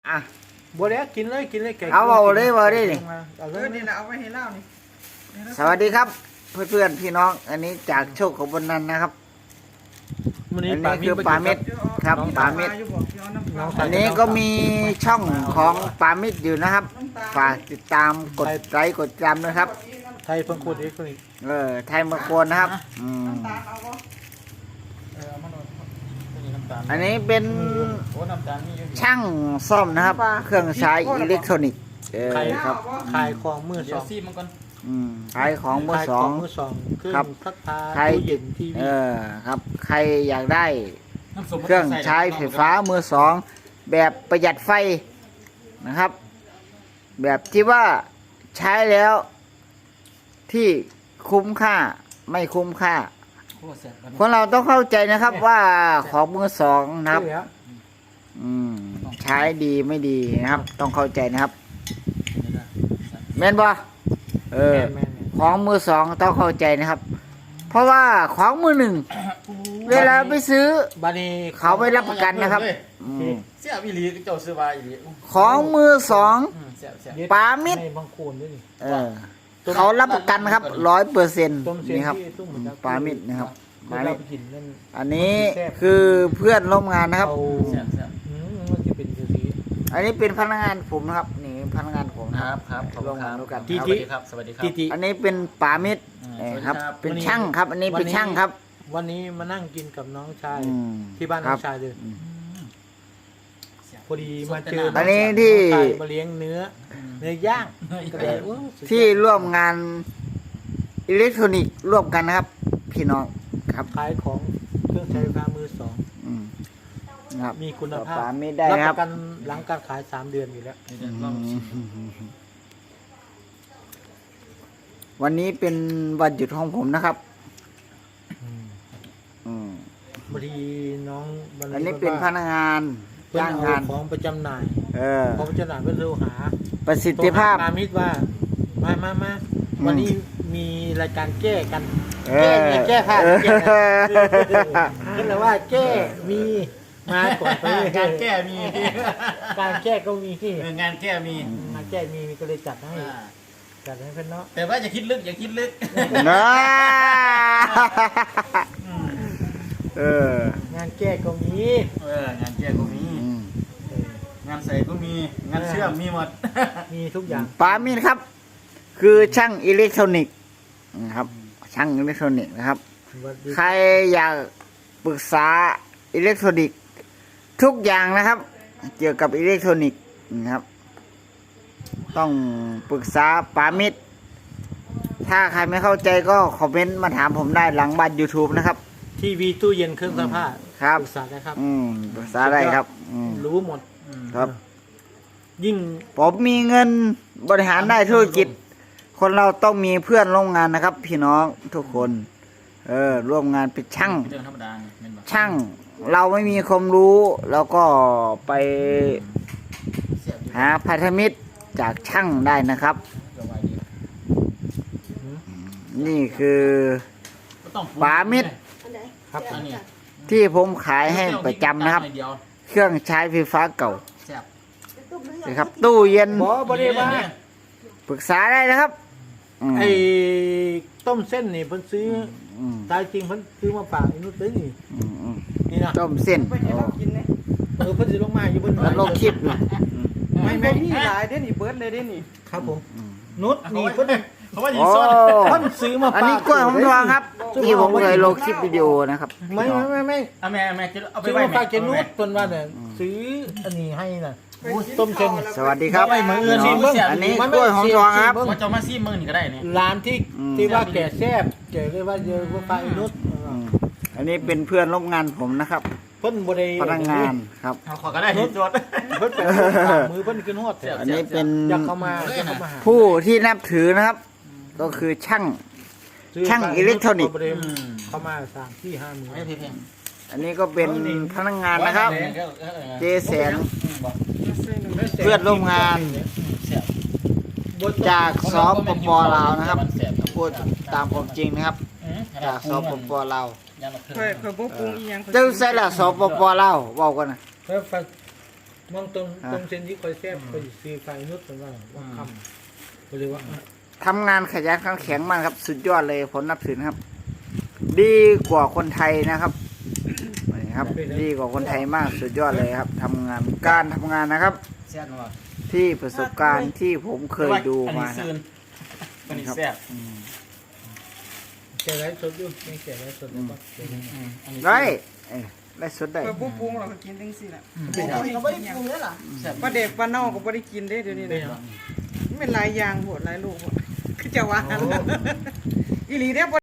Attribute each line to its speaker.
Speaker 1: อ่ะ
Speaker 2: บัวแล้วกินเลยแก
Speaker 1: เอาเลยนี่
Speaker 2: เอาเล
Speaker 3: นี่
Speaker 2: ย
Speaker 3: นะเอาไว้ให้เล่านี่
Speaker 1: สวัสดีครับเพื่อนๆพี่น้องอันนี้จากโชคของบนนั้นนะครับ
Speaker 2: วันนี้
Speaker 1: อันนี้คือปลาเม็ด ครับปลาเม็ด อันนี้ก็มีช่องของปามิดอยู่นะครับฝากติดตามกดไลค์กดติดตามนะครับ
Speaker 2: ไทยเพิ่งโคตรเอ็กซ์นี่
Speaker 1: ไทยมาโคนนะครับอันนี้เป็นช่างซ่อมนะครับ เครื่องใช้อิเล็กทรอนิกส์ครับ
Speaker 2: ขายของมือส
Speaker 4: เดี๋ย
Speaker 2: อ
Speaker 4: ว
Speaker 2: ง
Speaker 4: ซีมันก่อน
Speaker 1: ขายของมือสอง
Speaker 2: มือสองเครื่อ
Speaker 1: ครั
Speaker 2: ง
Speaker 1: บ
Speaker 2: ซักผ้า
Speaker 1: ใคร
Speaker 2: ตู้เย็นทีวี
Speaker 1: ครับใครอยากได้
Speaker 4: น้ำส้ม
Speaker 1: เครื่องใช้ไฟฟ้ามือสองแบบประหยัดไฟนะครับ แบบที่ว่าใช้แล้วที่คุ้มค่าไม่คุ้มค่า
Speaker 4: โคตรแซ่บ
Speaker 1: คนเราต้องเข้าใจนะครับว่าของมือสองนะครับ
Speaker 2: แล้ว
Speaker 1: ใช้ดีไม่ดีนะครับ ต้องเข้าใจนะครับแม่นบ่
Speaker 2: แม่น
Speaker 1: ของมือสองต้องเข้าใจนะครับ เพราะว่าของมือหนึ่งเวลาไปซื้อ
Speaker 2: บานี
Speaker 1: เขาไม่รับประกันนะครับอืม
Speaker 4: เสียอีหลีเจ้าซื้อมาอีหลี
Speaker 1: ของมือสอง
Speaker 4: เสีย
Speaker 1: ปามิด
Speaker 2: ในบางโคนด้วยนี่
Speaker 1: เขารับประกันนะครับ100%
Speaker 2: ต้มเสียง
Speaker 1: นี่ครับ
Speaker 2: ที่ตุ้มเหมือนกัน
Speaker 1: ปามิดนะครับ
Speaker 2: เวลาไปกินนั่น
Speaker 1: อันนี้คือเพื่อนร่วมงานนะครับ
Speaker 2: เอา
Speaker 4: เสีย
Speaker 2: มันจะเป็นสี
Speaker 1: อันนี้เป็นพนักงานผมนะครับ นี่พนักงานผมนะ
Speaker 4: ค
Speaker 1: ค
Speaker 4: รั
Speaker 1: รั
Speaker 4: บบ ครับขอบคุณครับ
Speaker 1: ร่วมงานด้วยกัน
Speaker 4: สวัสดีครับสวัสดีครับ
Speaker 2: ติติ
Speaker 1: อันนี้เป็นปามิดครับ เป็นช่างครับ อันนี้เป็นช่างครับ
Speaker 2: วันนี้มานั่งกินกับน้องชาย
Speaker 1: อืม
Speaker 2: ที่บ้าน
Speaker 1: ค
Speaker 2: น้
Speaker 1: รั
Speaker 2: อบ งชายเลยพอดีมาเจอ
Speaker 1: อันนี้ที่
Speaker 2: น้องชายมาเลี้ยงเนื้อย่างก็เลยโอ้สุดยอด
Speaker 1: ที่ร่วมงานอิเล็กทรอนิกส์ร่วมกันนะครับ พี่น้องครับ
Speaker 2: ขายของเครื่องใช้ไฟฟ้ามือสอง
Speaker 1: อืมนะครับ
Speaker 2: มีคุณภาพ
Speaker 1: ปามิดได้
Speaker 2: รับ
Speaker 1: นะ
Speaker 2: ป
Speaker 1: ครับ
Speaker 2: ระกันหลังการขาย3 เดือนอยู่แล้ว
Speaker 1: วันนี้เป็นวันหยุดของผมนะครับ
Speaker 2: บางทีน้องบางที
Speaker 1: อันนี้เป็นพนักงาน
Speaker 2: เพิ่น
Speaker 1: จ้าง
Speaker 2: เอา
Speaker 1: งาน
Speaker 2: ของประจำหน่าย
Speaker 1: อ
Speaker 2: ของประจำหน่ายเพื่อเร็วหา
Speaker 1: ประสิทธิภาพ
Speaker 2: มามิดว่ามาวันนี้มีรายการแก้กัน
Speaker 1: เอ
Speaker 2: แก้
Speaker 1: อ
Speaker 2: ผ้า
Speaker 1: เออ
Speaker 2: แก้ก็เลยว่าแก้มีมาก่อนไป
Speaker 4: การแก้มี
Speaker 2: การแก้ก็มีที่
Speaker 4: งานแก้มี
Speaker 2: งานแก้มีก็เลยจัดให้เพื่อนเนาะ
Speaker 4: แต่ว่าอย่าคิดลึกอย่าคิดลึก
Speaker 1: นะเออ
Speaker 2: งานแก้ก็มี
Speaker 4: งานแก้ก็มี งานใส่ก็มีงานเชื่อมมีหมด
Speaker 2: มีทุกอย่าง
Speaker 1: ปามินครับ คือช่างอิเล็กทรอนิกส์นะครับ ช่างอิเล็กทรอนิกส์นะครับ ใครอยากปรึกษาอิเล็กทรอนิกส์ทุกอย่างนะครับ เกี่ยวกับอิเล็กทรอนิกส์นะครับ ต้องปรึกษาปามิดถ้าใครไม่เข้าใจก็คอมเมนต์มาถามผมได้หลังบ้าน YouTube นะครับ
Speaker 2: ทีวีตู้เย็นเครื่องซักผ้า
Speaker 1: ครับ
Speaker 2: ปรึกษาได้ครับ
Speaker 1: ปรึกษาได้ครับ
Speaker 2: รู้หมด
Speaker 1: ครับ
Speaker 2: ยิ่ง
Speaker 1: ผมมีเงินบริหารได้ธุรกิจ คนเราต้องมีเพื่อนร่วมงานนะครับ พี่น้องทุกคน ร่วมงานเป็นช่าง
Speaker 4: เรื่องธรรมดาเป็นแบบ
Speaker 1: ช่างเราไม่มีความรู้เราก็ไปหาพันธมิตรจากช่างได้นะครับ นี่คือปามิด
Speaker 2: ครับ
Speaker 4: อันนี้
Speaker 1: ที่ผมขายให้ประจำนะครับ เครื่องใช้ไฟฟ้าเก่า
Speaker 4: แซ่บ
Speaker 1: นะครับ ตู้เย็น
Speaker 2: บริวาร
Speaker 1: ปรึกษาได้นะครับม
Speaker 2: ไอ้ต้มเส้นนี่เพิ่นซื้อ
Speaker 1: อืม
Speaker 2: ตายจริงเพิ่นซื้อมาฝากไอ้นุชเลยนี่
Speaker 1: อืม
Speaker 2: นี่นะ
Speaker 1: ต้มเส้น
Speaker 3: ไปให้เรากินเนี่ย
Speaker 2: เพิ่นสิลงมาอยู่บน
Speaker 1: แล้วลงคลิปนะ
Speaker 3: ไม่มีหลายเด้นี่เบิร์ดเลยเด้นี่
Speaker 2: ครับผมนุชนี่เพิ่น
Speaker 4: เขาว่ายิ
Speaker 1: โอ้
Speaker 4: งส้น
Speaker 2: เพิ่นซื้อมาฝาก
Speaker 1: อันนี้กล้วยหอมทองครับ ที่ผมเคยลงคลิปวิดีโอนะครับ
Speaker 2: ไม่
Speaker 4: เอาแม่จะเอาไป
Speaker 2: ซื้อ
Speaker 4: ไว้
Speaker 2: มาฝากเจนุชเพิ่นว่าเนี่ยซื้ออันนี้ให้น่ะต้มเส้น
Speaker 1: สวัสดีครับ
Speaker 2: ไม่เหมือนเอื้อนนี่เบิ่ง
Speaker 1: อันนี้กล้วยหอมทองครับ
Speaker 4: ว่าจะมาซีมึงนี่ก็ได้เนี่ย
Speaker 2: ร้านที่ว่าแก่แซ่บแก่เลยว่าเยอะว่าฝากไอ้นุช
Speaker 1: อันนี้เป็นเพื่อนร่วมงานผมนะครับ
Speaker 2: เพิ่นบ่ได้
Speaker 1: พนักงานครับ
Speaker 4: เอาขอก็ได้ที่จด
Speaker 2: เพิ่นเป็นมือเพิ่นขึ้นฮอดแถว
Speaker 1: อันนี้เป็น
Speaker 2: อยากเข้ามาอยากเข้ามาหา
Speaker 1: ผู้ที่นับถือนะครับ ก็คือช่าง ช่างอิเล็กทรอนิกส์
Speaker 2: เข้ามา3 4 5 มื้อ
Speaker 4: ไม่เพียง
Speaker 1: อันนี้ก็เป็นพนักงานนะครับ เจแสนเพื่อนร่วมงาน จากสปปลาวนะครับพูดตามความจริงนะครับ จากสปปลาว
Speaker 3: เคยบ่ปรุงอีหยัง
Speaker 1: เจ้าใส่ละสปปลาวบอกกันนะ
Speaker 2: เพิ่นมองตรงเส้นที่คอยแซ่บคอยซื้อไฟนุชเป็นว่าคำก็เลยว่า
Speaker 1: ทำงานขยันขันแข็งมากครับ สุดยอดเลยผมนับถือนะครับ ดีกว่าคนไทยนะครับนี่ครับ ดีกว่าคนไทยมากสุดยอดเลยครับทำงานการทำงานนะครับ
Speaker 4: แซ่บเนาะ
Speaker 1: ที่ประสบการณ์ที่ผมเคยดูมา
Speaker 4: อันนี้
Speaker 1: นะ
Speaker 4: ซื่นอันนี้แซ่บ
Speaker 2: แก่ไรสดอยู่ไม่แก่ไรสดแล้วก็
Speaker 4: อันนี้
Speaker 1: ได้ได้สุดได้
Speaker 3: เปิดปุ๊บปรุงเราก็กินจังซี่แหละ
Speaker 4: เราไม่ได้ปรุงเลยล่ะแซ่บ
Speaker 3: ปลาเด็กปลาเน่าก็บ่ได้กินเด้เดี๋ยวนี้
Speaker 2: เป็น
Speaker 3: นะมันเป็นหลายอย่างโหดหลายลูกโหดคือจะว่าอีหลีเด้อ